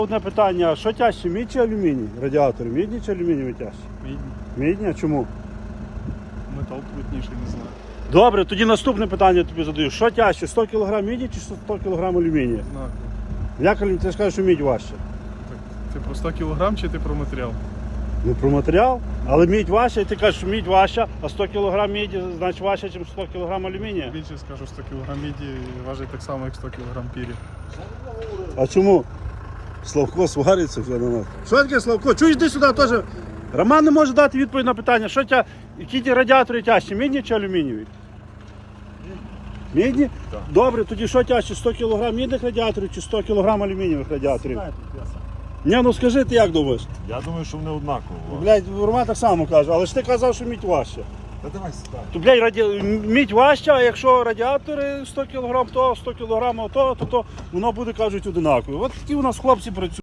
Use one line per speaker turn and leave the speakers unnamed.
Одне питання, що тяжче, мідь чи алюміній? Радіатори, мідні чи алюмінієві тяжчі?
Мідні.
Мідні, а чому?
Метал плотніший, не знаю.
Добре, тоді наступне питання тобі задаю. Що тяжче, 100 кг міді чи 100 кг алюмінія?
Однаково.
Як ти скажеш, що мідь важче?
Так, ти про 100 кг чи ти про матеріал?
Ну про матеріал, але мідь важча, і ти кажеш, що мідь важча, а 100 кг міді значить важче, ніж 100 кг алюмінія.
Більше скажу, 100 кг міді важить так само, як 100 кг пірі.
А чому? Славко свариться вже на нас. Що таке Славко? Чуєш, йди сюди теж. Роман не може дати відповідь на питання, які ті радіатори тяжчі, мідні чи алюмінієві? Мідні?
Так.
Добре, тоді що тяжче, 100 кг мідних радіаторів чи 100 кг алюмінієвих радіаторів? Ні, ну скажи, ти як думаєш?
Я думаю, що вони однаково.
Блядь, Роман так само каже, але ж ти казав, що мідь важча.
Та давай сюди.
То, блядь, мідь важча, а якщо радіатори 100 кг то, 100 кг то воно буде, кажуть, одинаково. От такі у нас хлопці працюють.